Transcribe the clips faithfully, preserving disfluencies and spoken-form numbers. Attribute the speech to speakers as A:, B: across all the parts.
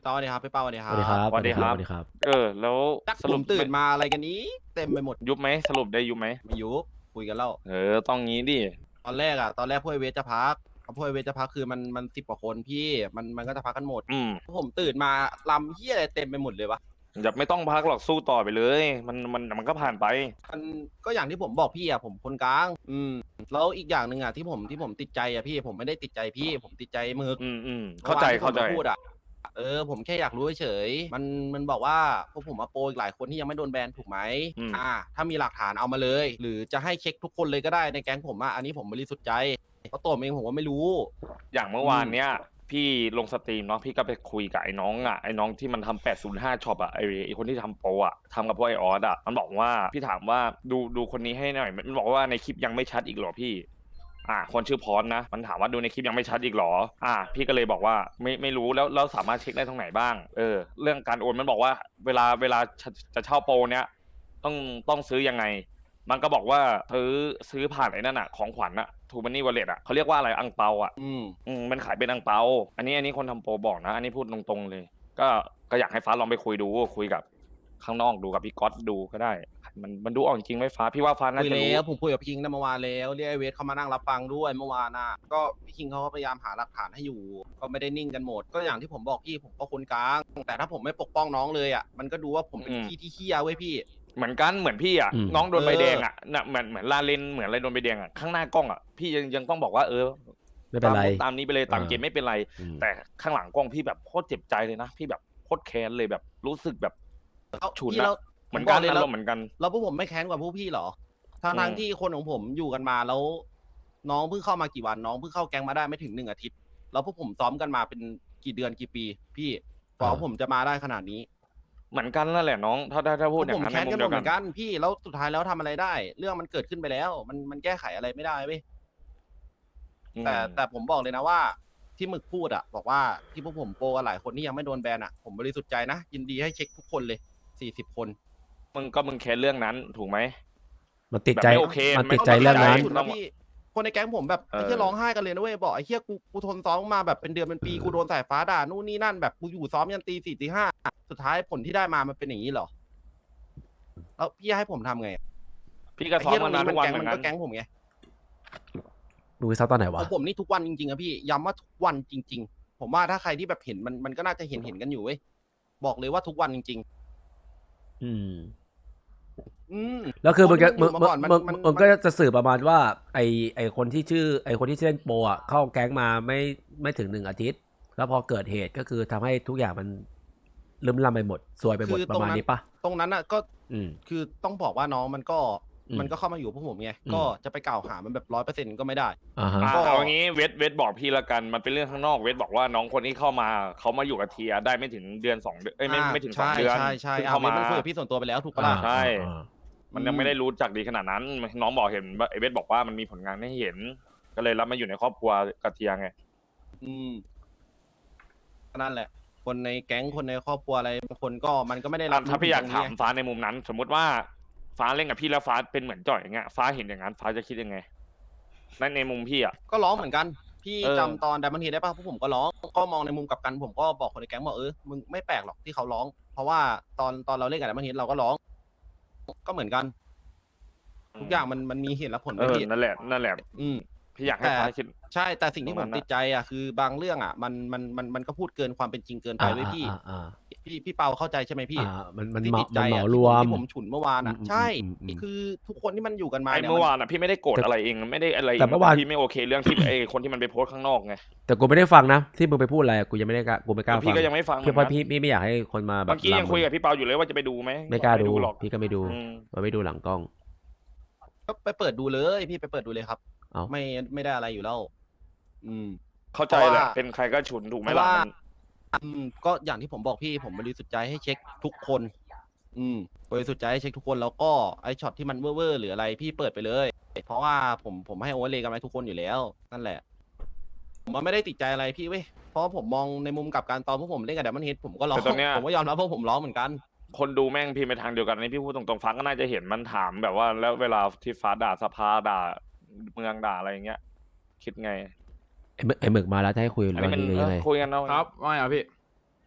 A: ตอนนี้ครับพี่เป้าวันนี้
B: ส
A: ค
B: วัสดีค
A: รั
B: รั
A: บบ
C: สวัสดีครับ
B: สวัสดีครับ
C: เออ แล้ว
A: จัก
C: ส
A: ผ
C: รุป
A: มตื่นมาอะไรกันนี้ เต็มไปหมด
C: ยุบไหมสรุปได้ยุบไหม
A: ไม่ยุบคุยกันแล้ว
C: เออ ต้องงี้ดิ
A: ตอนแรกอะตอนแรกพวกไอเวสจะพักพวกไอเวสจะพักคือมันมันสิบกว่าคนพี่มันมันก็จะพักกันหมด
C: อืม
A: ผมตื่นมาลำเฮียอะไรเต็มไปหมดเลยวะ
C: อย่าไม่ต้องพักหรอกสู้ต่อไปเลย มันมันมันก็ผ่านไป
A: มันก็อย่างที่ผมบอกพี่อะผมคนกลาง อืมแล้วอีกอย่างหนึ่งอะที่ผมที่ผมติดใจอะพี่ผมไม่ได้ติดใจพี่ ผมติดใจหมึก
C: อืมอืมเข้าใจ
A: มื่อว
C: เข้าใจ
A: นที่ผมมพูดอะเออผมแค่อยากรู้เฉยๆมันมันบอกว่าพวกผมมาโปรอีกหลายคนที่ยังไม่โดนแบนถูกไหม
C: อืม
A: อ่า ถ้ามีหลักฐานเอามาเลย หรือจะให้เช็คทุกคนเลยก็ได้ในแก๊งผมอะอันนี้ผมบริสุทธิ์ใจเพราะตัวผมเองผมก็ไม่รู้
C: อย่างเมื่อวานเนี้ยพี่ลงสตรีมเนาะพี่ก็ไปคุยกับไอ้น้องอ่ะไอ้น้องที่มันทำแปดศูนย์ห้าช็อปอ่ะไอ้ไอ้คนที่ทำโปรอ่ะทำกับพวกไอออสอ่ะมันบอกว่าพี่ถามว่าดูดูคนนี้ให้หน่อยมันบอกว่าในคลิปยังไม่ชัดอีกเหรอพี่ อ่า คนชื่อพรนะมันถามว่าดูในคลิปยังไม่ชัดอีกเหรอ อ่า พี่ก็เลยบอกว่าไม่ไม่รู้แล้วเราสามารถเช็คได้ตรงไหนบ้างเออเรื่องการโอนมันบอกว่าเวลาเวลาจะเช่าโปรเนี้ยต้องต้องซื้อยังไง มันก็บอกว่าซื้อซื้อผ่านไอ้นั่นอะของขวัญอะทูมันนี่วอลเล็ตอะเขาเรียกว่าอะไรอังเปาอะ
A: อืม
C: อืมมันขายเป็นอังเปา อันนี้อันนี้คนทำโปรบอกนะ อันนี้พูดตรงๆเลย ก็ก็อยากให้ฟ้าลองไปคุยดูคุยกับข้างนอกดูกับพี่ก๊อตดูก็ได้ มันมันดูออกจริงไหมฟ้าพี่ว่าฟ้าน่า
A: คุย
C: จะรู้
A: แล้วผมคุยกับพี่คิงตั้งเมื่อวานแล้วเรียกไอเวสเขามานั่งรับฟังด้วยเมื่อวานน่ะก็พี่คิงเขาก็พยายามหาหลักฐานให้อยู่ ก็ไม่ได้นิ่งกันหมด ก็อย่างที่ผมบอกพี่ผมก็คนกลาง แต่ถ้าผมไม่ปกป้องน้องเลยอ่ะมันก็ดูว่าผมเป็น
C: อืม
A: พี่ที่เฮี้ยเว้ยพี่
C: เหมือนกันเหมือนพี่อ่ะ
B: อืม
C: น้องโดนใบ
A: เออ
C: แดงอ่ะน่ะเหมือนเหมือนลาเลนเหมือนอะไรโดนใบแดงอ่ะข้างหน้ากล้องอ่ะพี่ยังยังต้องบอกว่าเออ
B: ไม่เป็นไร
C: ตามตามนี้ไปเลยตาม
B: อ่า
C: เกมไม่เป็นไร
B: อืม
C: แต่ข้างหลังกล้องพี่แบบโคตรเจ็บใจเลยนะพี่แบบโคตรแค้นเลยแบบรู้สึกแบบ
A: แล้ว
C: ฉุน
A: พี่
C: อะ
A: แล้ว
C: เหมือน
A: ผบ
C: กัน
A: เลย
C: อา
A: แล้
C: ร
A: ว
C: มณ์เหมือนกัน
A: แล้วพวกผมไม่แค้นกว่าพวกพี่เหรอทางทาง
C: อืม
A: ที่คนของผมอยู่กันมาแล้ว น้องเพิ่งเข้ามากี่วันน้องเพิ่งเข้าแก๊งมาได้ไม่ถึงหนึ่งอาทิตย์ แล้วพวกผมซ้อมกันมาเป็นกี่เดือนกี่ปี พี่กว่า
B: อ่า
A: ผมจะมาได้ขนาดนี้
C: เหมือนกันนั่นแหละน้อง ถ้าถ้าถ้าพูด
A: พว
C: อก ย่า
A: ผ
C: ง
A: ม
C: นั้น
A: แค้น
C: ในมุ
A: กัน
C: ม
A: หม
C: เดี
A: ด
C: ยว
A: เห
C: กั
A: มื
C: น
A: อนกันพี่แล้วสุดท้ายแล้วทำอะไรได้ เรื่องมันเกิดขึ้นไปแล้ว มันมันแก้ไขอะไรไม่ได้เว้ย
C: อืม
A: แต่แต่ผมบอกเลยนะว่า ที่หมึกพูดอะบอกว่าที่พวกผมโปรกันหลายคนที่ยังไม่โดนแบนอะผมบริสุทธิ์ใจนะ ยินดีให้เช็คทุกคนเลยสี่สิบคน
C: มึงก็มึงแค้นเรื่องนั้นถูกไหม
B: มันติดใจ
C: แบบไม่โอเค
B: มัน
C: ไม่
B: ติดใจเรื่องนั้น
A: ฉุดนะพี่คนในแก๊งผมแบบ
C: เออ
A: ไอ้เหี้ยร้องไห้กันเลยนะเว้ยบอกไอ้เหี้ยกูกูทนซ้อมมาแบบเป็นเดือนเป็นปี
B: เออ
A: กูโดนสายฟ้าด่านู่นนี่นั่นแบบกูอยู่ซ้อมยันตีสี่ตีห้าสุดท้ายผลที่ได้มามันเป็นอย่างนี้เหรอแล้วพี่ให้ผมทำไงอะ
C: พี่ก็
A: ไอ้
C: ซ้อม
A: เหี้ยตร
C: มาง นาน
A: นี้มั
C: ทุกวัน
A: แก๊ง
C: เหมื
A: มั
C: อน นกั
A: ก็
C: น
A: แก๊งผมไง
B: ดูวิซับตอนไหน
A: ข
B: วะ
A: องผมนี่ทุกวันจริงๆอะพี่ย้ำว่าทุกวันจริง ๆ ผมว่าถ้าใครที่แบบเห็นมันมันก็น่าจะเห็นเห็นกันอยู่เว้ยบอกเลยว่าทุกวันจริง
B: อืม
A: ๆ อืม
B: แล้วคือมึงจะ
A: ค
B: มึ
A: น
B: ง
A: ที่มันอยู่มาก่อนมัน
B: มึง
A: มัน
B: มึงก็จะสื่อประมาณว่า ไอไอคนที่ชื่อ ไอคนที่เล่นโปรอ่ะเข้าแก๊งมาไม่ไม่ถึงหนึ่งอาทิตย์ แล้วพอเกิดเหตุก็คือทำให้ทุกอย่างมันลืมลำไปหมดซวยไปหมด
A: คือ
B: ประมาณ
A: ตรงนั้น
B: นี้ปะ
A: ตรงนั้นอะก็
B: อืม
A: คือต้องบอกว่าน้องมันก็
B: อืม
A: มันก็เข้ามาอยู่พวกผมไง
B: อืม
A: ก็จะไปกล่าวหามันแบบร้อยเปอร์เซ็นต์ก็ไม่ได้
B: อ่าฮะ
C: อ่ะ
A: ก็
C: เอางี้เวทเวทบอกพี่ละกันมันเป็นเรื่องข้างนอกเวทบอกว่าน้องคนที่เข้ามาเขามาอยู่กับเทียได้ไม่ถึงเดือนสองเดือนเอ้ยไม่
A: อ่า
C: ไม่ถึงสอง
A: ใช่
C: เดือน
A: ใช่ใช่
C: เพิ่ง
A: อ่า
C: เข้า
A: เว
C: มา
A: ทมันคุยกับพี่ส่วนตัวไปแล้วถูกปะล่ะ
C: ใช่
B: อ่า
C: มันยังไม่ได้รู้จักดีขนาดนั้น น้องบอกเห็นว่าไอเวทบอกว่ามันมีผลงานให้เห็น ก็เลยรับมาอยู่ในครอบครัวกับเทียไง
A: อืมนั่นแหละ คนในแก๊งคนในครอบครัวอะไรบางคนก็มันก็ไม่ได้รับ
C: ถ้าพี่อยาก
A: รู้
C: ถาม
A: ถึงตรงนี้ไง
C: ฟ้าในมุมนั้น สมมติว่าฟ้าเล่นกับพี่แล้วฟ้าเป็นเหมือนจ่อยอย่างเงี้ยฟ้าเห็นอย่างนั้นฟ้าจะคิดยังไงนั่นในมุมพี่อ่ะ
A: ก็ร้องเหมือนกัน พี่
C: เออ
A: จำตอนไดมอนด์เฮดได้ป่ะพวกผมก็ร้อง ก็มองในมุมกลับกันผมก็บอกคนในแก๊งบอกเออมึงไม่แปลกหรอกที่เขาร้อง เพราะว่าตอนตอนเราเล่นกับไดมอนด์เฮดเราก็ร้อง ก็เหมือนกัน ทุกอย่างมันมันมีเหตุและผล
C: เอ
A: ไม่
C: อ
A: ผิด
C: นั่นแหละนั่นแหละ
A: อืม
C: พี่อยากให้
A: แต่
C: ฟ้าคิด
A: ใช่แต่สิ่งที่
C: ต
A: ผ
C: รงนั้
A: ม
C: นน่ะ
A: ติดใจอ่ะคือบางเรื่องอ่ะมันมันมันมันก็พูดเกินความเป็นจริงเกินไป
B: อ่า
A: ไว้ยพี่
B: อ่าอ่า
A: พี่พี่เปาเข้าใจใช่ไหมพี่
B: อ่ามันมัน
A: ที่
B: เหมา
A: ติดใจ
B: มันเห
A: อ่ะ
B: มาร
A: ที่
B: ว
A: ผม
B: ม
A: ที่ผมฉุนเมื่อวานอ่ะ
B: อืม
A: ใช่
B: อืมอืม
A: คือทุกคนที่มันอยู่กันมา
C: ไอ้
A: เนี่ย
C: เมื่อ
A: มัน
C: วานอ่ะพี่ไม่ได้โกรธ
B: แต่
C: อะไรเองไม่ได้อะไร
B: แต่เมื่อวาน
C: พี่ไม่โอเคเรื่องที่ ไอ้คนที่มันไปโพสต์ข้างนอกไง
B: แต่กูไม่ได้ฟังนะ ที่มึงไปพูดอะไรกูยังไม่ได้กล้ากูไม่กล้าฟัง
C: พี่ก็ยังไม่ฟัง
B: เพื่อเพราะพี่พี่ไม่อยากให้คนมาแบบ
C: เมื่อกี้ยัง
B: ลำ
C: คุยกับพี่เปาอยู่เลยว่าจะไปดูไหม
B: ไม่กล้าดู
C: หรอก
B: พี่ก็ไม่ดู
C: อืม
B: มันไม่ดูหลังกล้อง
A: ก็ไปเปิดดูเลยพี่ไปเปิดดูเลยครับ
B: เอ้า
A: ไม่ไม่ได้อะไรอยู่แล้ว อืม
C: เข้าใจ
A: เพราะ
C: แหละ
A: ว่า
C: เป็นใครก็ฉุนถูกไหม
A: เพราะ
C: ล่ะ
A: ว่า
C: มัน
A: อืมก็อย่างที่ผมบอกพี่ผมบริสุทธิ์ใจให้เช็คทุกคน อืมบริสุทธิ์ใจให้เช็คทุกคนแล้วก็ไอช็อตที่มันเว่อร์ๆหรืออะไรพี่เปิดไปเลย เพราะว่าผมผมให้โอเวอร์เลยกันไว้ทุกคนอยู่แล้ว นั่นแหละ ผมว่าไม่ได้ติดใจอะไรพี่เว้ยเพราะว่าผมมองในมุมกลับการตอนพวกผมเล่นกับไดมอนด์เฮดผมก็ร้อง
C: แต่ตอนเนี้ย
A: ผมก็ยอมรับว่าผมร้องเหมือนกัน
C: คนดูแม่งพิมพ์ไปทางเดียวกันนี่พี่พูดตรงๆฟ้าก็น่าจะเห็นมันถามแบบว่าแล้วเวลาที่ฟ้าด่าสภาด่าเมืองด่าอะไรอย่างเงี้ย คิดไง
B: ไอ้หมึกไอ้หมึกมาแล้วจะให้คุย
C: อัน
B: เรื่
C: นี้
B: อง
C: มัน
B: นี้หรือยังไง
C: เออคุยกันเนาะ
D: ครับว่าไงครับพี่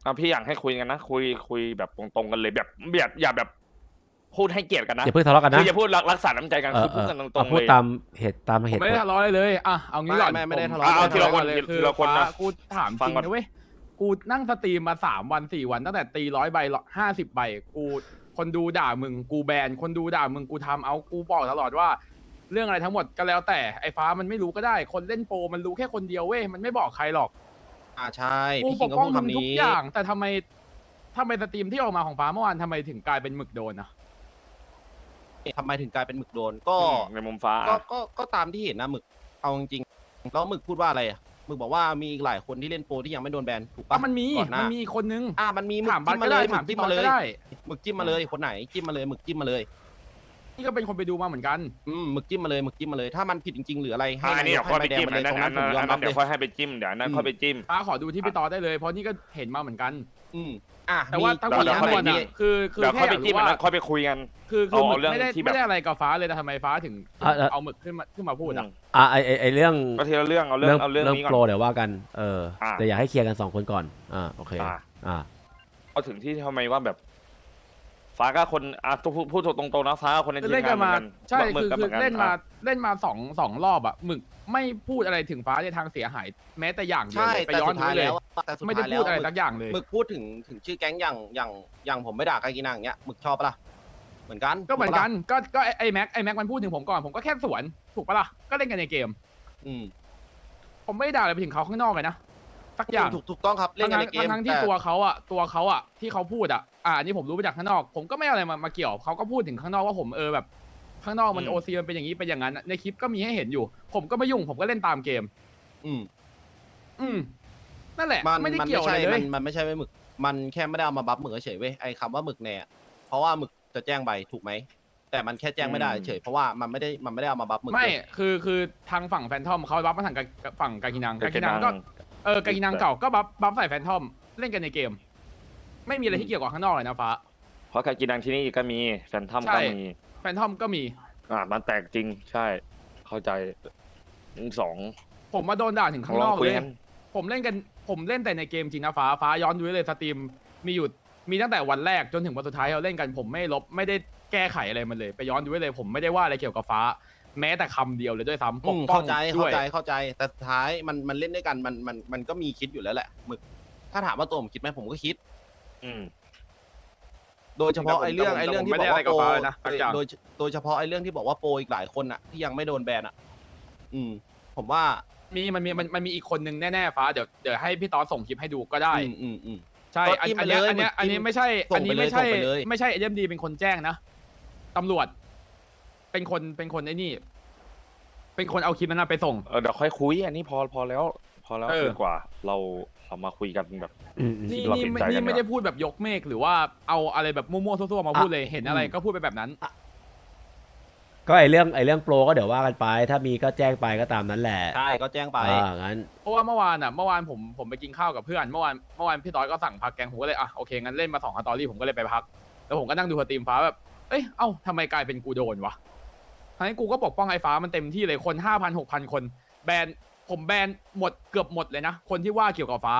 C: อ่ะพี่อยากให้คุยกันนะคุยคุยแบบตรงๆกันเลยแบบแบบอย่าแบบพูดให้เกียรติกันนะ
B: อย่าเพิ่งทะเลาะกัน
C: คื
B: นะ
C: ออย่าพูดรักรักษาน้ำใจกัน
B: เอ
C: คือ อพูดกันตร
B: เอา
C: งๆ
B: พู
C: เล
B: ด
C: ย
B: ตามเหตุตามเห
D: ผม
B: ตุ
D: ไม่
B: ผ
D: ได้
B: ล
D: ทะเลาะอะไรเลยอ่ะเอางี้ก่อน
A: ไม่ไม่ไม่ได้
D: ผ
A: ทะเลาะ
C: เอา
D: ไม่
C: ทีละคน
D: เลย
C: ทีละคนนะ
D: ฟ้ากูถามจ
C: ฟัง
D: ริง
C: ก่อน
D: นะเว้ยกูนั่งสตรีมมาสามวันสี่วันตั้งแต่ตีร้อยใบห้าสิบใบกูคนดูด่ามึงกูแบนคนดูด่ามึงกูทำเอากูบอกตลอดว่า เรื่องอะไรทั้งหมดก็แล้วแต่ไอ้ฟ้ามันไม่รู้ก็ได้ คนเล่นโปรมันรู้แค่คนเดียวเว้ยมันไม่บอกใครหรอก
A: อ่าใช่
D: กู
A: พี่
D: ป
A: คิง
D: ก
A: ก็
D: ป้อง
A: พูด
D: มึง
A: คำ
D: ทุก
A: นี้
D: อย่าง แต่ทำไมทำไมสตรีมที่ออกมาของฟ้าเมื่อวานทำไมถึงกลายเป็นหมึกโดนอะ
A: ทำไมถึงกลายเป็นหมึกโดนก็
C: อืมในมุมฟ้า
A: ก็
C: อ่ะ
A: ก็ก็ตามที่เห็นนะหมึกเอาจริงๆแล้วหมึกพูดว่าอะไรอ่ะหมึกบอกว่ามีอีกหลายคนที่เล่นโปรที่ยังไม่โดนแบนถูก
D: อ่ะ
A: ปะ
D: มันมี
A: ก่อนหน้า
D: มันมีคนนึง
A: อ่ามันมีหมึก
D: ถามบั
A: จิ้
D: ต
A: ม
D: ก็
A: มาเล
D: ได้
A: ยหมึ
D: ถาม
A: ก
D: พี่
A: จิ้ม
D: ตอ
A: มา
D: ด
A: เล
D: ก็
A: ย
D: ได้
A: หมึกจิ้มมาเลยคนไหนจิ้มมาเลยหมึกจิ้มมาเลย
D: นี่ก็เป็นคนไปดูมาเหมือนกัน
A: อืมหมึกจิ้มมาเลยหมึกจิ้มมาเลยถ้ามันผิดจริงๆหรืออะไรให้
C: อ่ะอันนี้
A: นาย
C: เดี๋ยวค่อยไป
A: ให้ใบแดง
C: จิ้ม
A: มาเล
C: อั
A: ย
C: นนั้น
A: ตรง
C: อั
A: นั้น นผมยอม
C: นั้
A: รั
C: น
A: บ
C: เดี๋
A: เลย
C: วย ค่อยให้ไปจิ้มเดี๋ยวอันนั้น
A: อืม
C: ค่อยไปจิ้ม
D: ฟ้าขอดูที่พี่ตอดได้เลยเพราะนี่ก็เห็นมาเหมือนกัน
A: อืมอ่ะ
D: แต่ว่าทั้งหมด
C: เดี๋ยว
D: ทั้งมวล
C: เดี๋ยว
D: อ่ะคือคือ
C: เดี๋ยว
D: แค่
C: ค่อย
D: อ
C: ไป
D: ยาก
C: จิ้ม
D: รู้
C: อัน
D: ว่า
C: นั้นค่อยไปคุยกัน
D: คือคือ
C: เอา
D: หมึก
C: เรื่อง
D: ไม่ได้
C: ที่แบบ
D: ไม่ได้อะไรกับฟ้าเลยแต่ทำไมฟ้าถึง
B: อ่ะอ่ะ
D: เอาหมึกขึ้นมาขึ้นมาพูดอ่ะ
B: อ่ะไอไอไอเรื่อง
C: ก็ทีละเรื่องเอาเรื่องเอาเรื่องนี้ก่อน
B: โปรเดี๋ยวว่ากันเออ
C: อ่ะ
B: แต่อยากให้เคลียร์กันสองคนก่อนอ่าโอเค
C: อ่ะ
B: อ่า
C: เอาถึงที่ทำไมว่าแบบ ฟ้าก็คนอ่ะพูดพูดตรงๆนะฟ้าก็คนใน
D: คือ
C: ทีม
D: เล่น
C: งา
D: กัน น
C: เหมือ
D: มาน
C: กัน
D: ใช่
C: หมึ
D: คื
C: ก
D: อ
C: ก็เห
D: คื
C: มื
D: อ
C: อนกัน
D: เล่นมา
C: อ่ะ
D: เล่นมาสองสองรอบอ่ะหมึกไม่พูดอะไรถึงฟ้าในทางเสียหาย แม้แต่อย่างเดียว
A: ใช่
D: เลยไป
A: แต่
D: ย้อ
A: สุ
D: น
A: ด
D: ดู
A: ท้าย
D: เลย
A: แล้วแต่สุด
D: ไม่ได้
A: ท้ายแล้
D: พู
A: ว
D: ดอะไร
A: หมึ
D: สักอย่างเลย
A: หมึกพูดถึงถึงชื่อแก๊งอย่างอย่างอย่างผมไม่ด่ากากินังอย่างเงี้ยหมึกชอบปะล่ะเหมือนกัน
D: ก็เหมือนกัน
A: ถูปะล่ะ
D: ก็ก็ไอ้ไอ้แม็กไอ้แม็กมันพูดถึงผมก่อนผมก็แค่สวนถูกปะล่ะก็เล่นกันในเกม
A: อืม
D: ผมไม่ได้ด่าอะไรไปถึงเขาข้างนอกเลยนะสักอย่าง
A: ถูกถูกต้องครับเล่นกันในเกม
D: ทั้งๆที่
A: แต่
D: ตัวเขาอ่ะตัวเขาอ่ะที่เขาพูดอ่ะอ่าอันนี้ผมรู้มาจากข้างนอก ผมก็ไม่เอาอะไรมามาเกี่ยวเขาก็พูดถึงข้างนอกว่าผมเออแบบ ข้างนอกมัน
C: อืม
D: โอซีมันเป็นอย่างนี้เป็นอย่างนั้นในคลิปก็มีให้เห็นอยู่ ผมก็ไม่ยุ่งผมก็เล่นตามเกม
A: อืม
D: อืมนั่นแหละ
A: มัน
D: ไม่ได้
A: มัน
D: เกี่ยว
A: ไม่
D: อะไร
A: ใช่
D: เล
A: มั
D: ย
A: นมันไม่ใช่ไว้หมึก มันแค่ไม่ได้เอามาบัฟหมึกเฉยๆเว้ยไอ้คำว่าหมึกแน่อะเพราะว่าหมึกจะแจ้งใบถูกไหมแต่มันแค่แจ้งไม่ได้เฉยเพราะว่ามันไม่ได้มันไม่ได้เอามาบัฟหมึก
D: ไม่
A: เลย
D: คือคือทางฝั่งแฟนทอมเขาบัฟมาทางกาฝั่งกากินังกากินัง
C: กากินัง
D: ก็เออกากินังเก่าก็บัฟบัฟใส่แฟนทอมเล่นกันในเกม ไม่มีอะไรที่เกี่ยวกับข้างนอกเลยนะฟ้า
C: เพราะการกินดังที่นี่ก็มีแฟนทัม
D: ใช่
C: ก็มี
D: แฟนทอมก็มี
C: อ่ามันแตกจริงใช่ เข้าใจสอง
D: ผมมาโดนด่าถึงข้าง
C: ล
D: น
C: อง
D: อก
C: คุย
D: เลย
C: กัน
D: ผมเล่นกันผมเล่นแต่ในเกมจริงนะฟ้าฟ้าย้อนดูได้เลยสตรีมมีอยู่มีตั้งแต่วันแรกจนถึงวันสุดท้ายเราเล่นกันผมไม่ลบไม่ได้แก้ไขอะไรมันเลย ไปย้อนดูได้เลย ผมไม่ได้ว่าอะไรเกี่ยวกับฟ้า แม้แต่คำเดียวเลยด้วยซ้ำป
A: อื
D: ก
A: ม
D: ป้อ
A: เข้าง ใจ
D: ด้
A: เข้า
D: วย
A: ใจเข้าใจแต่สุดท้ายมันมันเล่นด้วยกันมันมันมันก็มีคิดอยู่แล้วแหละหมึก ถ้าถามว่าตัวผมคิดไหมผมก็คิด
C: อืม
A: โดยเฉพาะไอ้เรื่อง
D: แต่ผม
A: ไอ้เรื่องที่
D: ไม่
A: บ
D: ได้
A: อก
D: อะไร
A: ว่า
D: กับ
A: โปร
D: ฟ้าเลยนะสักอย่าง
A: โดยโดยเฉพาะไอ้เรื่องที่บอกว่าโปรอีกหลายคนอ่ะที่ยังไม่โดนแบนอ่ะ อืม ผมว่า
D: มีมันมีมันมันมีอีกคนนึงแน่ๆฟ้าเดี๋ยวเดี๋ยวให้พี่ตอสส่งคลิปให้ดูก็ได้
A: อืมอืมอืม
D: ใช่
A: ก็
D: อัน
A: จิ้ม
D: อั
A: ไป
D: นเนี้ย
A: เลย
D: อันเนี้ย
A: จิ้ม
D: อันนี้ไม่ใช่
A: ส่
D: อั
A: ง
D: น
A: ไป
D: นี้
A: เลย
D: ไม่ใช่
A: ส่งไปเลย
D: ไม่ใช่เอ็มดีเป็นคนแจ้งนะตำรวจ เป็นคนเป็นคนไอ้นี่ เป็นคนเอาคลิปนั้นนะไปส่ง
C: เออเดี๋ยวค่อยคุย อันนี้พอพอแล้ว พอแล้ว
D: เออ
C: ดีกว่า เราเรามาคุยกันแบบ
B: อืมอืม
D: นี่
C: เรา
D: นี่
C: เห็น
D: ไม่
C: ใจกัน
D: นี่ไม่
C: เนี่ย
D: ได้พูดแบบยกเมฆหรือว่าเอาอะไรแบบมั่วๆซั่วๆมาพูดเลยเห็นอะไร
A: อืม
D: ก็พูดไปแบบนั้น
B: ก็ไอเรื่องไอเรื่องโปรก็เดี๋ยวว่ากันไป ถ้ามีก็แจ้งไปก็ตามนั้นแหละ
A: ใช่ก็แจ้งไป
B: อ่างั้น
D: เพราะว่าเมื่อวานอ่ะเมื่อวานผมผมไปกินข้าวกับเพื่อนเมื่อวานเมื่อวานพี่ต้อยก็สั่งพักแกงผมก็เลยอ่ะโอเคงั้นเล่นมาสองสตอรี่ผมก็เลยไปพักแล้วผมก็นั่งดูสตรีมฟ้าแบบเอ้ยเอ้าทำไมกลายเป็นกูโดนวะทั้งที่กูก็ปกป้องไอ้ฟ้ามันเต็มที่เลยคนห้าพันหกพันคนแบนผมแบนหมดเกือบหมดเลยนะคนที่ว่าเกี่ยวกับฟ้า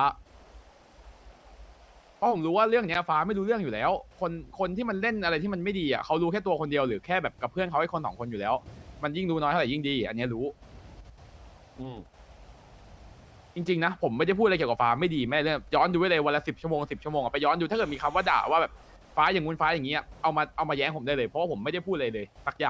D: เพราะผมรู้ว่าเรื่องเนี้ยฟ้าไม่รู้เรื่องอยู่แล้ว คนคนที่มันเล่นอะไรที่มันไม่ดีอ่ะเขารู้แค่ตัวคนเดียวหรือแค่แบบกับเพื่อนเขาไอ้คนสองคนอยู่แล้ว มันยิ่งรู้น้อยเท่าไหร่ยิ่งดี อันเนี้ยรู้
A: อืม
D: จริงๆนะผมไม่ได้พูดอะไรเกี่ยวกับฟ้าไม่ดีแม่เรื่องย้อนดูไว้เลยวันละสิบชั่วโมงสิบชั่วโมงอะไปย้อนดูถ้าเกิดมีคำว่าด่าว่าแบบฟ้าอย่างงู้นฟ้าอย่างเงี้ยเอามาเอามาแย้งผมได้เลยเพราะว่าผมไม่ได้พูดอะไรเลยสักอย่าง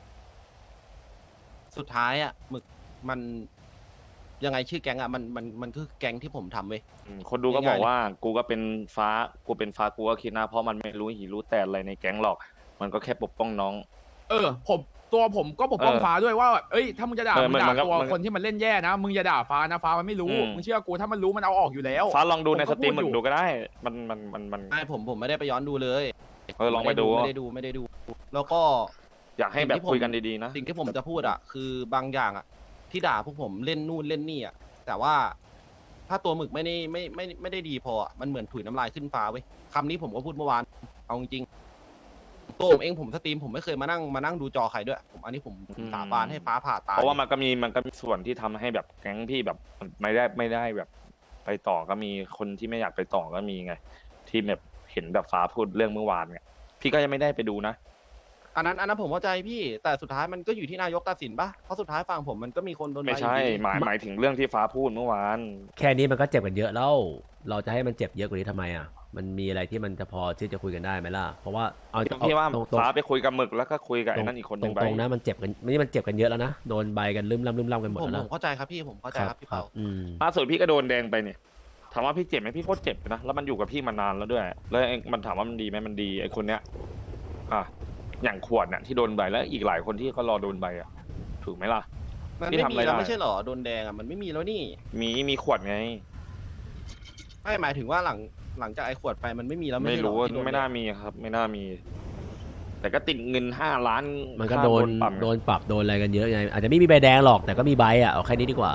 A: สุดท้ายอ่ะหมึกมันยังไงชื่อแก๊งอ่ะมันมันมันคือแก๊งที่ผมทำเว้ย
C: อืมคนดูก็
A: ง่ายๆ
C: บอกว่า กูก็เป็นฟ้า กูเป็นฟ้า กูก็คิดนะ เพราะมันไม่รู้หิรู้แต่อะไรในแก๊งหรอก มันก็แค่ปกป้องน้อง
D: เออผมตัวผมก็ปกป้อง
C: เออ
D: ฟ้าด้วยว่าแบบเอ้ยถ้ามึงจะด่า
C: เออ
D: มึงด่า
C: มันก็
D: ตัว
C: มันก็
D: คนที่มันเล่นแย่นะมึงอย่าด่าฟ้านะฟ้ามันไม่รู้
C: อืม
D: มึงเชื่อกูถ้ามันรู้มันเอาออกอยู่แล้ว
C: ฟ้าลองดูใน
D: ผม
C: ส
D: ก็
C: ตรีม
D: พูด
C: มึ
D: อยู่
C: งดูก็ได้ มันมันมันมัน
A: ไม่ผมผมไม่ได้ไปย้อนดูเลย
C: เออลองไปดู
A: ไม่ได้ดูไม่ได้ดู แล้วก็
C: อยากให้แบบคุยกันดีๆนะ
A: สิ่งที่ผมจะพูดอ่ะคือบางอย่างอ่ะ ที่ด่าพวกผมเล่นนู่นเล่นนี่อ่ะแต่ว่าถ้าตัวหมึกไม่ได้ไม่ไม่ไม่ได้ดีพออะมันเหมือนถุยน้ำลายขึ้นฟ้าเว้ยคำนี้ผมก็พูดเมื่อวานเอาจริงๆตัวผมเองผมสตรีมผมไม่เคยมานั่งมานั่งดูจอใครด้วยผมอันนี้ผม
C: อืม
A: สาบานให้ฟ้าผ่าตาย
C: เพราะว่ามันก็มีมันก็มีส่วนที่ทำให้แบบแก๊งพี่แบบไม่ได้ไม่ได้แบบไปต่อก็มีคนที่ไม่อยากไปต่อก็มีไง ที่แบบเห็นแบบฟ้าพูดเรื่องเมื่อวานเนี่ยพี่ก็ยังไม่ได้ไปดูนะ
A: อันนั้นอันนั้นผมเข้าใจพี่แต่สุดท้ายมันก็อยู่ที่นายกตัดสินปะเพราะสุดท้ายฝั่งผมมันก็มีคนโดน
C: ไม่
A: ใบ
C: ใช่
A: อยู่ดี
C: หมายหมายถึงเรื่องที่ฟ้าพูดเมื่อวาน
B: แค่นี้มันก็เจ็บกันเยอะแล้ว เราจะให้มันเจ็บเยอะกว่านี้ทำไมอ่ะ มันมีอะไรที่มันจะพอที่จะคุยกันได้ไหมล่ะ เพราะว่าเอาเอา
C: พี่ว่า
B: ตรง
C: ฟ้าไปคุยกับหมึกแล้วก็คุยกับ
B: ตร
C: ไอ้
B: ง
C: นั่นอีกคนห
B: ต
C: นึ่
B: รง ง
C: ไป
B: ตรงนะมันเจ็บกันนี่มันเจ็บกันเยอะแล้วนะ โดนใบกันลืมล่ำลืมล่ำกันหมด
A: ผม
B: แล้ว
A: ผ
B: นะ
A: มเข้าใจครับพี่ผมเข้าใจครับพี่
B: ครั
A: เปา
B: บอืม
C: ล่าสุดพี่ก็โดนแดงไปเนี่ยถามว่าพี่เจ็บไหมพี่โคตรเจ็บนะแล้วมันอยู่กับพี่มานานแล้วด้วย แล้วไอ้มันถามว่ามันดีไหมมันดีไอ้คนเนี้ยอ่ะอย่างขวดเนี่ยที่โดนใบแล้วอีกหลายคนที่ก็รอโดนใบอ่ะถูกไหมล่ะ
A: มัน
C: พี่
A: ไม่
C: ทำ
A: มี
C: อะไร
A: แล้ว
C: ได้
A: ไม่ใช่เหรอโดนแดงอ่ะมันไม่มีแล้วนี่
C: มีมีขวดไง
A: ไม่หมายถึงว่าหลังหลังจากไอ้ขวดไปมันไม่มีแล้ว
C: ไม่
A: ใช่เหอ
C: รู้ว่า
A: ที่โดน
C: ไม่น่ามีครับ ไม่น่ามี แต่ก็ติดเงินห้าล้าน
B: มันก็
C: ค่า
B: โดน
C: ปรับไง
B: โดนปรับโดนอะไรกันเยอะไงอาจจะไม่มีใบแดงหรอกแต่ก็มีใบอ่ะเอาแค่นี้ดีกว่า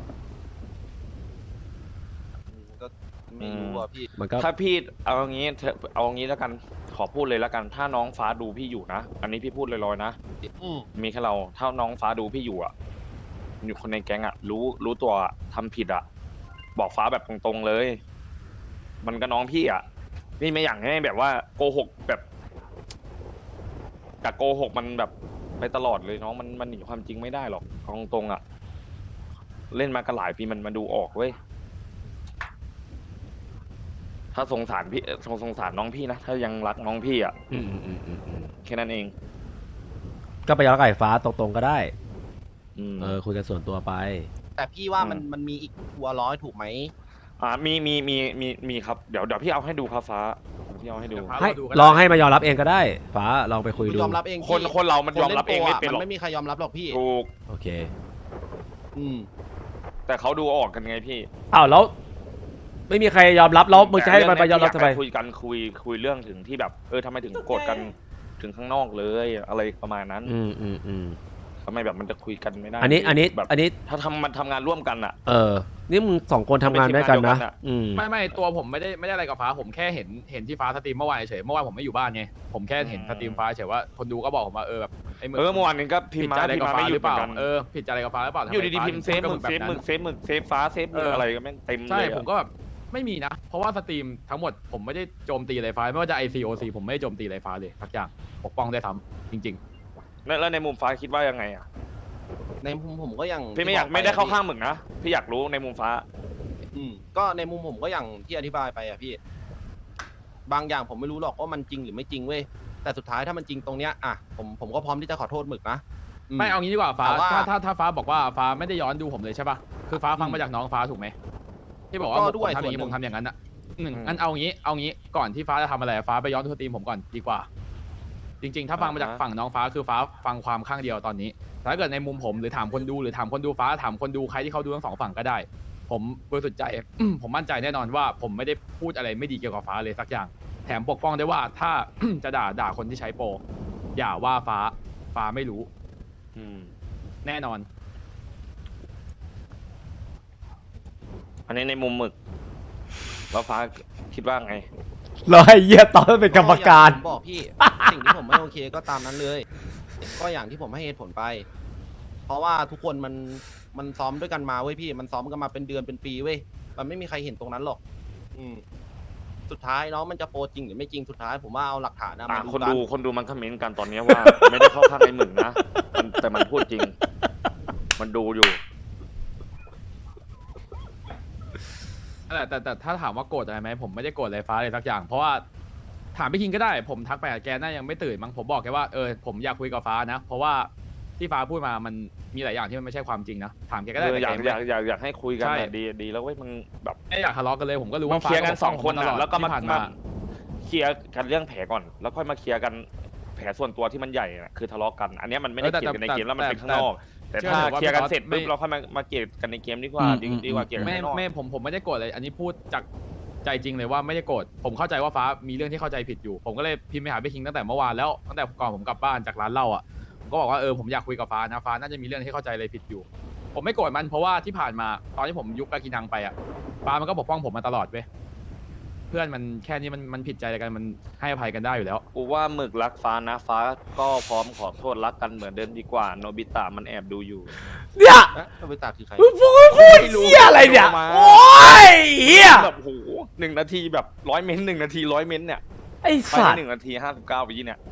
A: อืมก็ไม่รู้อ่ะพี่
B: มันก็
C: ถ้าพี่เอาอย่างนี้เถอะเอาอย่างนี้แล้วกันขอพูดเลยแล้วกัน ถ้าน้องฟ้าดูพี่อยู่นะอันนี้พี่พูดลอยๆนะ
A: อืม
C: มีแค่เรา ถ้าน้องฟ้าดูพี่อยู่อ่ะอยู่คนในแก๊งอ่ะ รู้รู้ตัวอะทำผิดอ่ะ บอกฟ้าแบบตรงๆเลย มันก็น้องพี่อ่ะพี่ไม่อยากให้แบบว่าโกหกแบบกับโกหกมันแบบไปตลอดเลยน้องมันมันหนีความจริงไม่ได้หรอกเอาตรงๆอ่ะ เล่นมากันหลายปีมันมาดูออกเว้ย ถ้าสงสารพี่เอ่อสงสงสารน้องพี่นะ ถ้ายังรักน้องพี่อ่ะ
B: อืมอืมอืมอืมอืม
C: แค่นั้นเอง
B: ก็ไปย้อนไก่ฟ้าตรงๆก็ได้
C: อืม
B: เออคุยกันส่วนตัวไป
A: แต่พี่ว่ามัน
C: อืม
A: มันมีอีกทัวร์ร้อยถูกไหม
C: อ่ามีมีมีมีมีครับเดี๋ยวเดี๋ยวพี่เอาให้ดูครับฟ้าพี่เอาให้ดู
D: เดี๋ยวฟ้า
B: ให้
D: เราดูก็
B: ลอง
D: ได้
B: ให้มายอมรับเองก็ได้ ฟ้าลองไปคุยดู
A: ยอมรับเอง
C: คน
A: พี่
C: คนเรามัน
A: คน
C: ยอม
A: ล่
C: รับเอง
A: โป
C: ไม่
A: อะ
C: เป็นหร
A: มั
C: อก
A: นไม่มีใครยอมรับหรอกพี่
C: ถูก
B: โอเค
A: อืม
C: แต่เขาดูออกกันไงพี่
B: อ้าวแล้ว ไม่มีใครยอมรับแล้วมึงจะให้มันไปยอมรับทำไม
C: แต่เงเนี้ยพี่ากคุยกันคุยคุยเรื่องถึงที่แบบเออทำไมถึงโกรธกันถึงข้างนอกเลยอะไรประมาณนั้น
B: อืมอืมอืม
C: ทำไมแบบมันจะคุยกันไม่ได้
B: อันนี้อันนี้
C: แบบ
B: อันนี้
C: ถ้าทำมันทำงานร่วมกันอ่ะ
B: เออ นี่มึงสองคนทำงานด้วยกันนะ
C: เป็นทีมงานเดียวกันอะ
B: อืม
D: ไม่ไม่ตัวผมไม่ได้ไม่ได้อะไรกับฟ้าผมแค่เห็นเห็นที่ฟ้าสตรีมเมื่อวานเฉยเมื่อวานผมไม่อยู่บ้านไงผมแค่เห็นสตรีมฟ้าเฉยว่าคนดูก็บอกผมว่าเออแบบไอ้มึง
C: เออเมื่อวานนี้ก็พิม
D: ผิด
C: พ์มา
D: ใจอะไร
C: พิม
D: กับ
C: พ์มา
D: ฟ้า
C: ไม่ห
D: ห
C: ยุ
D: รื
C: ด
D: อ
C: เห
D: เป
C: มือ
D: ล่าน
C: กัน
D: เออผิดใจอะไรกับฟ้าหรือเปล่าทำไ
C: อยู่ดีๆ
D: ฟ้า
C: พิมพ์เซฟ
D: ถึ
C: มึ
D: ง
C: ก
D: พู
C: เซ
D: ด
C: ฟ
D: แบบ
C: มึ
D: นั้น
C: กเซฟมึกเซฟมึกเซฟฟ้าเซฟมึก
D: เอออ
C: อะไรก็แม่งเต็ม
D: ใช่
C: เลยอะ
D: ผมก็แบบไม่มีนะ เพราะว่าสตรีมทั้งหมดผมไม่ได้โจมตีอะไรฟ้าไม่ว่าจะ ไอ ซี โอ ซี ผมไม่ได้โจมตีอะไรฟ้าเลยสักอย่างปกป้องได้ทำจริง
C: แล้วแล้วในมุมฟ้าคิดว่ายังไงอ่ะ
A: ในมุมผมก็ยัง
C: พี่ไม่อยาก
A: ที่บ
C: ไม่ได้เข้า
A: ป
C: ข้างมึงนะพี่อยากรู้ในมุมฟ้า
A: อืมก็ในมุมผมก็อย่างที่อธิบายไปอะพี่ บางอย่างผมไม่รู้หรอกว่ามันจริงหรือไม่จริงเว้ยแต่สุดท้ายถ้ามันจริงตรงเนี้ยอ่ะผมผมก็พร้อมที่จะขอโทษหมึกนะ
D: ๆ ไม่เอางี้ดีกว่าฟ้า
A: แต่ว่า
D: ถ้าถ้าถ้าฟ้าบอกว่าฟ้าไม่ได้ย้อนดูผมเลยใช่ป่ะคือฟ้าฟังมาจากน้องฟ้าถูกไหมที่บอกว่า
A: ก็
D: ผม
A: ด้วย
D: ทำอย่างนี้
A: ส่วนหนึ่ง
D: ผมทำอย่างนั้นอ่ะหนึ่ง
C: อืม
D: งั้นเอางี้เอางี้ก่อนที่ฟ้าจะทำอะไรฟ้าไปย้อนดูสตรีมผมก่อนดีกว่า จริง ๆ ถ้าฟังมาจาก
C: อ่าฮะ
D: ฝั่งน้องฟ้าคือฟ้าฟังความข้างเดียวตอนนี้แต่ถ้าเกิดในมุมผมหรือถามคนดูหรือถามคนดูฟ้าถามคนดูใครที่เขาดูทั้งสองฝั่งก็ได้ ผมบริสุทธิ์ใจ ผมมั่นใจแน่นอนว่าผมไม่ได้พูดอะไรไม่ดีเกี่ยวกับฟ้าเลยสักอย่าง แถมปกป้องได้ว่าถ้า จะด่าด่าคนที่ใช้โปรอย่าว่าฟ้าฟ้าไม่รู้
C: อืม
D: แน่นอน
C: อันนี้ในมุมหมึกแล้วฟ้าคิดว่าไง
B: รอให้เยี่ยตอนเป็นกรรมการ
A: อย่งที่ผมบอกพี่ สิ่งที่ผมไม่โอเคก็ตามนั้นเลย ก็อย่างที่ผมให้เหตุผลไป เพราะว่าทุกคนมันมันซ้อมด้วยกันมาเว้ยพี่ มันซ้อมกันมาเป็นเดือนเป็นปีเว้ยมันไม่มีใครเห็นตรงนั้นหรอก อืม สุดท้ายเนาะมันจะโปรจริงหรือไม่จริงสุดท้าย ผมว่าเอาหลักฐานนะ
C: อ่ะ
A: มาดู
C: คน
A: กั
C: ดู
A: น
C: คนดูมันคอมเมนต์กันตอนเนี้ยว่า ไม่ได้เข้าข้างไอ้หมึกนะมันแต่มันพูดจริง มันดูอยู่
D: แต่แต่แต่ถ้าถามว่าโกรธอะไรไหมผมไม่ได้โกรธอะไรฟ้าเลยสักอย่าง เพราะว่าถามพี่คิงก็ได้ผมทักไปกับแกน่ายังไม่ตื่นมั้งผมบอกแกว่าเออผมอยากคุยกับฟ้านะ เพราะว่าที่ฟ้าพูดมามันมีหลายอย่างที่มันไม่ใช่ความจริงนะถามแกก็ได้
C: เออ
D: แต่
C: อยาก
D: แก
C: อยากอยากอยากให้คุยกัน
D: ใช่
C: อะดีดีแล้วเว้ยมึงแบบ
D: ไม่อยากทะเลาะกันเลยผมก็รู้
C: มา
D: ว่า
C: เคลียร์กันสองคน
D: ฟ้า
C: อ่ะแล้วก็มา
D: ที่ผ่าน
C: มา
D: มา
C: เคลียร์กันเรื่องแผลก่อน แล้วค่อยมาเคลียร์กันแผลส่วนตัวที่มันใหญ่น่ะคือทะเลาะกัน อันเนี้ยมันไม่ได้
D: เออแต่
C: เกลียดกันใน
D: แต่
C: เกมแล้วมัน
D: แต่
C: เป็นข้างนอก แต่
D: เชื่อ
C: ถ้า
D: เถอะว่า
C: เคลียร์กัน
D: พี่
C: เสร็จ
D: ไม่
C: ปุ๊บเราค่อยมามาเกลียดกันในเกมดีกว่า
B: อืม
C: ดี
B: อืม
C: ดีกว่าเกลียดกัน
D: ไม่
C: ข้างนอก
D: ไม่ผมผมไม่ได้โกรธเลย อันนี้พูดจากใจจริงเลยว่าไม่ได้โกรธผมเข้าใจว่าฟ้ามีเรื่องที่เข้าใจผิดอยู่ ผมก็เลยพิมพ์ไปหาพี่คิงตั้งแต่เมื่อวานแล้วตั้งแต่ก่อนผมกลับบ้านจากร้านเหล้าอ่ะผมก็บอกว่าเออผมอยากคุยกับฟ้านะฟ้าน่าจะมีเรื่องที่เข้าใจอะไรผิดอยู่ ผมไม่โกรธมันเพราะว่าที่ผ่านมาตอนที่ผมยุบกากินังไปอ่ะฟ้ามันก็ปกป้องผมมาตลอดเว้ยเพื่อนมันแค่นี้มันมันผิดใจอะไรกันมันให้อภัยกันได้อยู่แล้ว
C: กูว่าหมึกรักฟ้านะฟ้าก็พร้อมขอโทษรักกันเหมือนเดิมดีกว่าโนบิตะมันแอบดูอยู่
B: เนี่ย
A: เอ๊ะโนบิตะคือใคร
B: มึงพูดพูดเหี้ยอะไรเนี่ยโอ้ยเหี้ย
C: แบบโหหนึ่งนาทีแบบร้อยเมนต์หนึ่งนาทีร้อยเมนต์เนี่ย
B: ไอ้
C: ไป
B: สัตว์
C: หนึ่งนาทีห้าสิบเก้าวิเนี่ย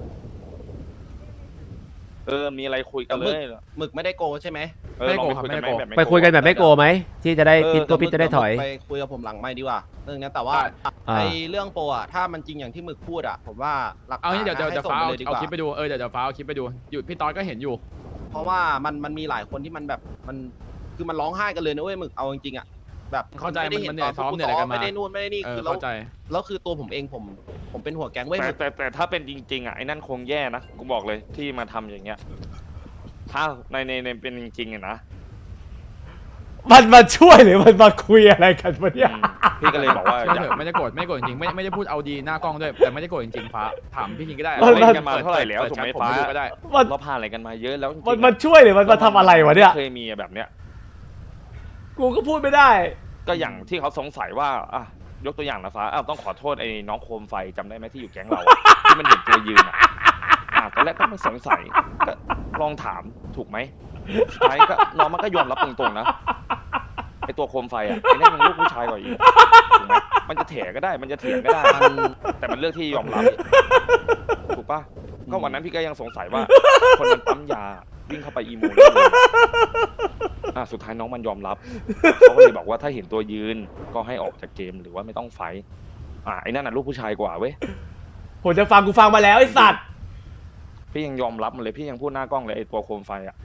C: เออมีอะไรคุยกันเลย
A: หมึกไม่ได้โกใช่ไหม
C: เออลองไปคุยกันไหมแบบ
B: ไปคุยกันแบบไม่โกไหมที่จะได้พิษตัวพิษจะได้ถอย
A: ไปคุยกับผมหลังไม่ดีกว่าเรื่องนี้แต่ว่า
B: อ่า
A: ไอเรื่องโปรอะถ้ามันจริงอย่างที่หมึกพูดอะผมว่าหลัก
D: เอา
A: ฐาน
D: งี้เดี๋ยวเดี๋ยว
A: ให้
D: เดี๋ยว
A: ส่ง
D: ฟ้า
A: ไป
D: เอา
A: เลยดีก
D: เอา
A: ว่า
D: คลิปไปดูเออเดี๋ยวเดี๋ยวฟ้าเอาคลิปไปดูอยู่พี่ตอนก็เห็นอยู่
A: เพราะว่ามันมันมีหลายคนที่มันแบบมันคือมันร้องไห้กันเลยนะเว้ยหมึกเอาจริงๆอะแบบ
D: เข้าใจ
A: ไม่ได้
D: มัน
A: เห็น
D: มัน
A: ตอน
D: เหนื่อยซ้อม
A: ผู้
D: เหนื่อยอะไรกันมา
A: ไม่ได้นู่นไม่ได้นี่
D: เออ
A: คือแล้ว
D: เข้าใจ
A: แล้วคือตัวผมเองผมผมเป็นหัวแก๊งเว้ย
C: แต่
A: หมึก
C: แต่แต่ถ้าเป็นจริงๆอ่ะไอ้นั่นคงแย่นะกูบอกเลยที่มาทำอย่างเงี้ยถ้าในในในเป็นจริงๆอะนะ
B: มันมาช่วยหรือมันมาคุยอะไรกันวะเนี่ย
C: อืมพี่ก็เลยบอกว่า
D: เชื่อ
C: อ
D: เถ
C: ยาก
D: อะไม่ได้โกรธไม่ได้โกรธจริงๆไม่ไม่ได้พูดเอาดีหน้ากล้องด้วยแต่ไม่ได้โกรธจริงๆฟ้าถามพี่คิงก็ได้
C: เราเล่นกันมาเท่าไหร่แล้ว
D: ปิด
C: ถูกไหม
D: แชทผ
C: ฟ้า
D: ดูก็ได้
B: มัน
C: เราผ่านอะไรกันมาเยอะแล้วจริงๆ
B: มันมาช่วยหรือมันมาทำอะไรวะเนี่ย
C: เคยมีแบบเนี้ย
B: กูก็พูดไม่ได้
C: ก็อย่างที่เขาสงสัยว่าอ่ะยกตัวอย่างนะฟ้าอ้าวต้องขอโทษไอ้น้องโคมไฟจำได้ไหมที่อยู่แก๊งเราอะ ที่มันเห็นตัวยืนอ่ะอ่ะตอนแรกก็ไม่สงสัยก็ลองถามถูกไหมสุดท้ายก็น้องมันก็ยอมรับตรงๆนะไอ้ตัวโคมไฟอ่ะไอ้นั่นยังลูกผู้ชายกว่าอีกถูกไหมมันจะแถก็ได้มันจะเถียงก็ได้
A: มัน
C: แต่มันเลือกที่ยอมรับถูกปะก็วันนั้นพี่ก็ยังสงสัยว่า คนมันปั๊มยาวิ่งเข้าไปอีโมได้เลยอ่ะสุดท้ายน้องมันยอมรับเขาก็เลยบอกว่าถ้าเห็นตัวยืนก็ให้ออกจากเกมหรือว่าไม่ต้องไฟท์อ่ะไอ้นั่นน่ะลูกผู้ชายกว่าเว้ย
B: ผมจะฟังกูฟังมาแล้วไอ้สัตว์
C: พี่ยังยอมรับมันเลยพี่ยังพูดหน้ากล้องเลยไอ้ตัวโคมไฟอ่ะ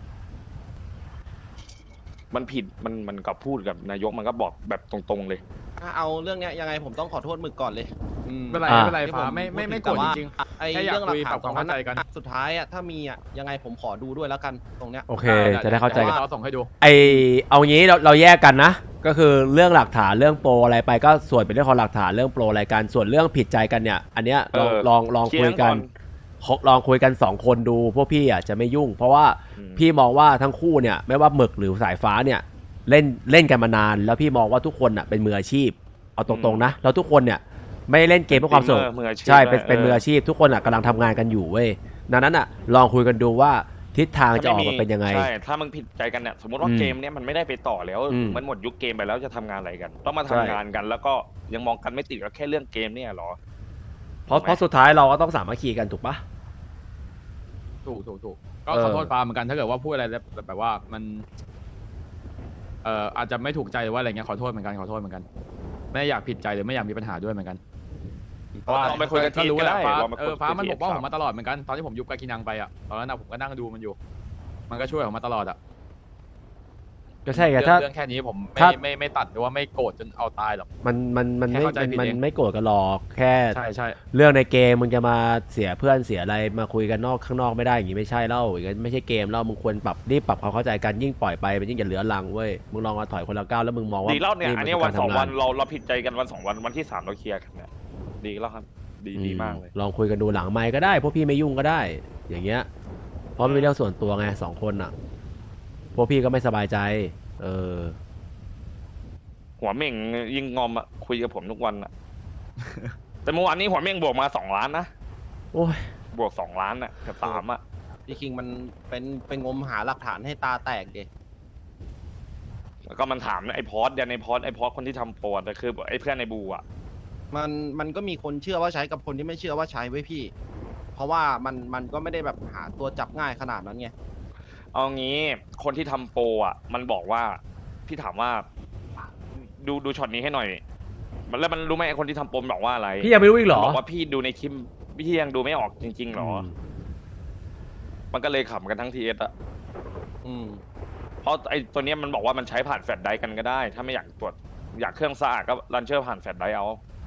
C: มันผิดมันมันกับพูดกับนายกมันก็บอกแบบตรงๆเลย
A: ถ้าเอาเรื่องเนี้ยยังไงผมต้องขอโทษหมึกก่อนเลยอืม
D: ไม่เป็นไร
B: อ่า
D: ไม่เป็นไร
A: ที่
D: ฟ้า
A: ผ
D: ไม่ไม่
A: พูด
D: ไม่
A: ถึ
D: โกรธ
A: แต่ว่า
D: จริง
A: ไอ้
D: แค่อยาก
A: เรื่องหลัก
D: คุย
A: ฐาน
D: ปรับความเข้าใจกัน
A: สุดท้ายอะถ้ามีอะยังไงผมขอดูด้วยแล้วกันตรงเนี้ย
B: โอเค
D: ๆ
B: จะได้เข้าใจกัน
D: ดี๋ยวเราส่งให้ดู
B: ไอเอางี้เราเราแยกกันนะ ก็คือเรื่องหลักฐานเรื่องโปรอะไรไปก็ส่วนเป็นเรื่องของหลักฐานเรื่องโปรอะไรกันส่วนเรื่องผิดใจกันเนี่ย อันเนี้ยลอง
C: เออ
B: ลองลอง
C: เคลี
B: คุ
C: ย
B: ย
C: ร์
B: กัน
C: ก่อน
B: ลองคุยกันสองคนดูพวกพี่อ่ะจะไม่ยุ่ง เพราะว่า
C: อืม
B: พี่มองว่าทั้งคู่เนี่ยไม่ว่าหมึกหรือสายฟ้าเนี่ยเล่นเล่นกันมานาน แล้วพี่มองว่าทุกคนอ่ะเป็นมืออาชีพเอาตรงๆนะแล้วทุกคนเนี่ยไม่ได้เล่นเกมเพื่อความสนุก
C: มืออาชีพ
B: ใช่เป็น
C: ด้วย
B: เป็นมืออาชีพ ทุกคนอ่ะกำลังทำงานกันอยู่เว้ยดังนั้นอ่ะลองคุยกันดูว่าทิศทางจะออกมาเป็นยังไง
C: ใช่ถ้ามึงผิดใจกันเนี่ยสมมติว่า
B: อืม
C: เกมเนี้ยมันไม่ได้ไปต่อแล้ว
B: อืม
C: มันหมดยุคเกมไปแล้วจะทำงานอะไรกัน ต้องมาทำ
B: ใช่
C: งานกัน แล้วก็ยังมองกันไม่ติดกับแค่เรื่องเกมเนี่ยเหรอ
B: เพราะเพราะสุดท้ายเราก็ต้องสามัคคีกันถูกปะ
D: ถูกถูกถูกก็
B: เออ
D: ขอโทษฟ้าเหมือนกันถ้าเกิดว่าพูดอะไรแล้วแบบแบบว่ามันเอ่ออาจจะไม่ถูกใจหรือว่าอะไรเงี้ยขอโทษเหมือนกันขอโทษเหมือนกัน ไม่อยากผิดใจหรือไม่อยากมีปัญหาด้วยเหมือนกันเพราะว่า
C: ลองไปคุยกัน
D: ก็รู้
C: ทีก็
D: แห
C: ได้
D: ละฟ้า
C: ลองไปคุย
D: เออฟ้ามัน
C: ที
D: ปกป้อง
C: ค
D: ผ
C: รับ
D: มมาตลอดเหมือนกันตอนที่ผมยุบกากินังไปอ่ะตอนนั้นนะผมก็นั่งดูมันอยู่ มันก็ช่วยผมมาตลอดอ่ะ
B: ก็ใช่ไง
D: เรื่อง
B: ถ้า
D: เรื่องแค่นี้ผมไม่
B: ถ้า
D: ไม่ไม่ตัดหรือว่าไม่โกรธจนเอาตายหรอก
B: มันมันมัน
D: แค่
B: ไม่
D: เข้าใจผิด
B: มัน
D: เอง
B: ไม่โกรธกันหรอกแค่
D: ใช่ใช่
B: เรื่องในเกมมึงจะมาเสียเพื่อนเสียอะไรมาคุยกันนอกข้างนอกไม่ได้อย่างงี้ไม่ใช่เล่าอย่างงี้ไม่ใช่เกมเล่ามึงควรปรับรีบปรับความเข้าใจกันยิ่งปล่อยไปมันยิ่งจะเหลือรังเว้ยมึงลองมาถอยคนละก้าวแล้วมึงมองว่า
C: ดีแล้วเนี่ยอันนี้
B: มั
C: วัน
B: คื
C: สอง
B: การทำา
C: วันเราเราผิดใจกันวันสองวันวันที่สามเราเคลียร์กันเนี่ยดีแล้วครับ ดีดีมากเลย
B: ลองคุยกันดูหลังไมค์ก็ได้พวกพี่ไม่ยุ่งก็ได้ อย่างเงี้ยเพราะมันเป็นเรื่องส่วนตัวไงสองคนอ่ะพวกพี่ก็ไม่สบายใจ เออ
C: หัวเม่งยิงงอมอะคุยกับผมทุกวันอะ แต่เมื่อวานนี้หัวเม่งบวกมาสองล้านนะ
B: โอ้ย
C: บวกสองล้านอะกับสามอะ
A: พี่คิงมันเป็นเป็นงมหาหลักฐานให้ตาแตกเด
C: แล้วก็มันถามไอ้พอสเดี๋ยวในพอสไอ้พอสคนที่ทำโปรแต่คือไอ้เพื่อนในบูอะ
A: มันมันก็มีคนเชื่อว่าใช้กับคนที่ไม่เชื่อว่าใช้ไว้พี่ เพราะว่ามันมันก็ไม่ได้แบบหาตัวจับง่ายขนาดนั้นไง
C: เอางี้คนที่ทำโปรอะมันบอกว่าพี่ถามว่า ดูดูช็อตนี้ให้หน่อย มันแล้วมันรู้ไหมไอ้คนที่ทำโปรมันบอกว่าอะไร
B: พี่ยังไม่รู้อีกเหรอ
C: บอกว่าพี่ดูในคลิปพี่ยังดูไม่ออกจริงๆหรอ
B: ม
C: มันก็เลยขำกันทั้งทีเอสอะ
A: อืม
C: เพราะไอ้ตัวเนี้ยมันบอกว่ามันใช้ผ่านแฟลชไดรฟ์กันก็ได้ ถ้าไม่อยากตรวจอยากเครื่องสะอาดก็รันเชอร์ผ่านแฟลชไดรฟ์เอา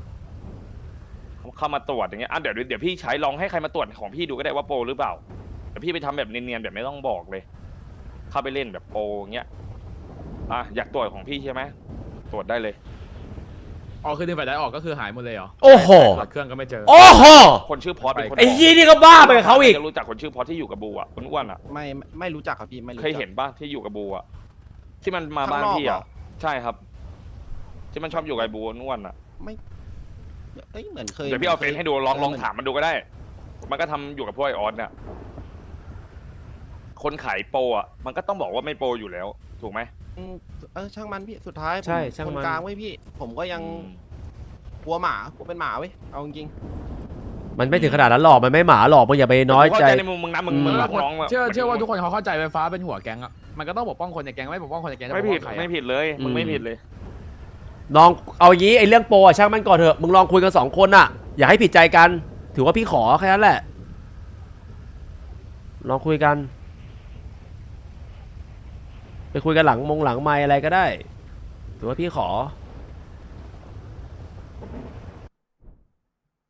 C: เข้ามาตรวจอย่างเงี้ยอ่ะเดี๋ยวเดี๋ยวพี่ใช้ลองให้ใครมาตรวจของพี่ดูก็ได้ว่าโปรหรือเปล่าเดี๋ยวพี่ไปทำแบบเนียนๆแบบไม่ต้องบอกเลย เข้าไปเล่นแบบโปรอย่างเงี้ยอ่ะอยากตรวจของพี่ใช่ไหมตรวจได้เลย
D: อ๋อคือดึงไฟได้ออกก็คือหายหมดเลยเหรอ
B: โอ้โห
D: ถอดเครื่องก็ไม่เจอ
B: โอ้โห
C: คนชื่อพอสเป็นคน
B: ไอ้ยี่นี่ก็บ้าไปกับเขาอีก
C: จะรู้จักคนชื่อพอสที่อยู่กับบูอ่ะคนอ้วนอ่ะ
A: ไม่ไม่ไม่รู้จักครับพี่ไม่รู้
C: เค
A: จัก
C: ยเห็นป่ะที่อยู่กับบูอ่ะที่มันมา
A: ข้าง
C: บ้าน
A: นอก
C: พี่
A: เหร
C: อ่ะ
A: อ
C: ใช่ครับ ที่มันชอบอยู่กับไอ้บูอ้วนอ่ะ
A: ไม่เอ้ยเหมือนเคย
C: เดี๋ยวพี่เอาเฟซให้ดูลองลอง
A: เหมืน
C: ถามมันดูก็ได้ มันก็ทำอยู่กับพวกไอออสเนี่ยคนขายโปรอ่ะมันก็ต้องบอกว่าไม่โปรอยู่แล้วถูกไหม
A: อืมเออช่างมันพี่สุดท้ายผม
B: ใช่ช่าง
A: คน
B: มัน
A: กลางไว้ยพี่ ผมก็ยังกลัวหมากลัวเป็นหมาเว้ยเอาจริง
B: มันไม่ถึงขนาดนั้นหรอกมันไม่หมาหรอกมึงอย่าไปน้อยใจ
C: เข้าใจในมุมมึงนะมึง
B: อืม
C: มึงรักน้องะ
D: เชื่อเชื่อว่าทุกคนเขาเข้าใจไฟฟ้าเป็นหัวแก๊งอะมันก็ต้องปกป้องคนในแก๊งไม่ปกป้องคนในแก๊งจะป
C: ไม่
D: กป้
C: ผิด
D: องใครอะ
C: ไม่ผิดเลยมึงไม่ผิดเลย
B: ลองเอาอย่างนี้ไอ้เรื่องโปรอะช่างมันก่อนเถอะมึงลองคุยกันสองคนอะอย่าให้ผิดใจกัน ถือว่าพี่ขอแค่นั้นแหละลองคุยกัน ไปคุยกันหลังมงหลังไมค์อะไรก็ได้ ถือว่าพี่ขอ